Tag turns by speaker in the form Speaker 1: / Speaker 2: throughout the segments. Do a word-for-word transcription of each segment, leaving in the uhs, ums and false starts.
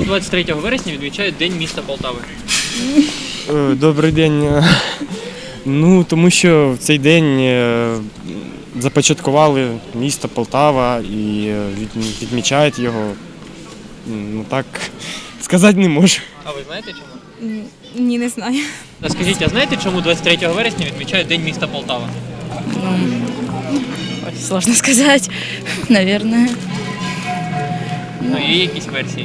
Speaker 1: двадцять третього вересня відмічають День міста Полтави?
Speaker 2: Е, Добрий день. Ну, тому що в цей день е, започаткували місто Полтава і е, від- відмічають його. Ну так сказати не можу.
Speaker 1: А ви знаєте чому?
Speaker 3: Ні, не знаю.
Speaker 1: А скажіть, а знаєте, чому двадцять третього вересня відмічають День міста Полтава?
Speaker 3: Ой, сложно сказать, наверное.
Speaker 1: Ну, є якісь версії?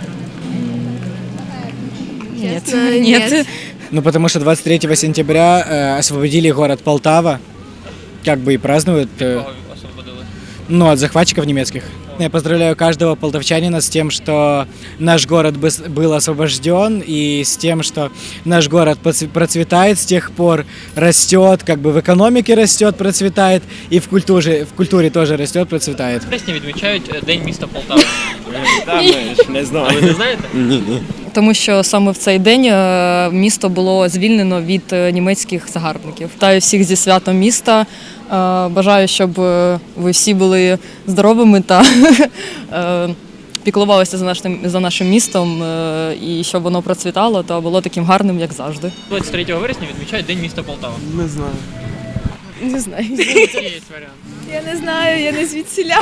Speaker 3: Нет,
Speaker 4: Честно,
Speaker 3: нет.
Speaker 4: нет.
Speaker 5: Ну, потому что двадцать третьего сентября э, освободили город Полтава, как бы и празднуют, э,
Speaker 1: Кого освободили?
Speaker 5: ну, от захватчиков немецких. Я поздравляю каждого полтавчанина с тем, что наш город быс- был освобожден, и с тем, что наш город поц- процветает с тех пор, растет, как бы в экономике растет, процветает, и в культуре, в культуре тоже растет, процветает.
Speaker 1: Вересня відмічають е, День міста Полтави.
Speaker 2: Не
Speaker 1: А ви
Speaker 2: знаю.
Speaker 1: не знаєте?
Speaker 6: Тому що саме в цей день е, місто було звільнено від е, німецьких загарбників. Вітаю всіх зі святом міста. Е, Бажаю, щоб е, ви всі були здоровими та е, піклувалися за нашим, за нашим містом, е, і щоб воно процвітало та було таким гарним, як завжди.
Speaker 1: двадцять третього вересня відмічають День міста Полтава.
Speaker 2: Не знаю.
Speaker 6: Не знаю.
Speaker 1: Є варіант.
Speaker 4: Я не знаю, я не звідсіля.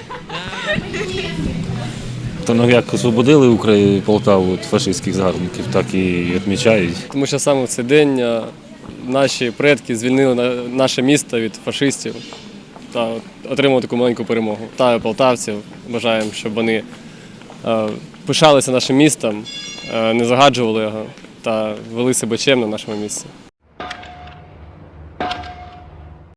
Speaker 7: То ну, як освободили Україну Полтаву від фашистських загарбників, так і відмічають.
Speaker 8: Тому що саме в цей день е, наші предки звільнили на- наше місто від фашистів та отримали таку маленьку перемогу. Та полтавців бажаємо, щоб вони е, пишалися нашим містом, е, не загаджували його та вели себе чемно в нашому місті.